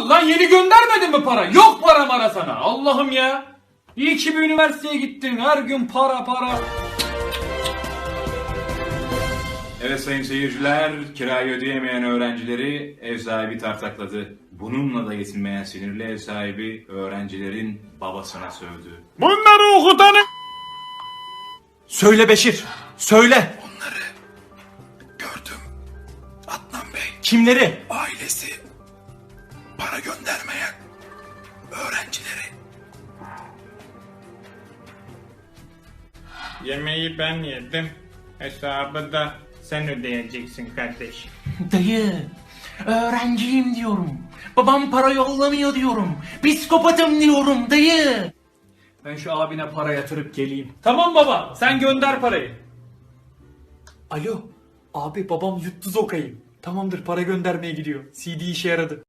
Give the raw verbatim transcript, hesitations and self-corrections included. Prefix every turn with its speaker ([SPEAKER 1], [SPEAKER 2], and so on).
[SPEAKER 1] ol lan, yeni göndermedin mi para? Yok para mara sana. Allah'ım ya. İyi ki bir üniversiteye gittin. Her gün para para.
[SPEAKER 2] Evet sayın seyirciler, kirayı ödeyemeyen öğrencileri ev sahibi tartakladı. Bununla da yetinmeyen sinirli ev sahibi öğrencilerin babasına sövdü.
[SPEAKER 1] Bunları okutanı...
[SPEAKER 3] Söyle Beşir, söyle.
[SPEAKER 4] Onları gördüm. Adnan Bey
[SPEAKER 3] Kimleri?
[SPEAKER 4] ailesi para göndermeyen öğrencileri.
[SPEAKER 5] Yemeği ben yedim. Hesabı da sen ödeyeceksin kardeşim.
[SPEAKER 3] Dayı, öğrenciyim diyorum. Babam para yollamıyor diyorum. Psikopatım diyorum dayı.
[SPEAKER 1] Ben şu abine para yatırıp geleyim. Tamam baba, sen gönder parayı.
[SPEAKER 6] Alo. Abi babam yuttu zokayı. Tamamdır, para göndermeye gidiyor. C D işe yaradı.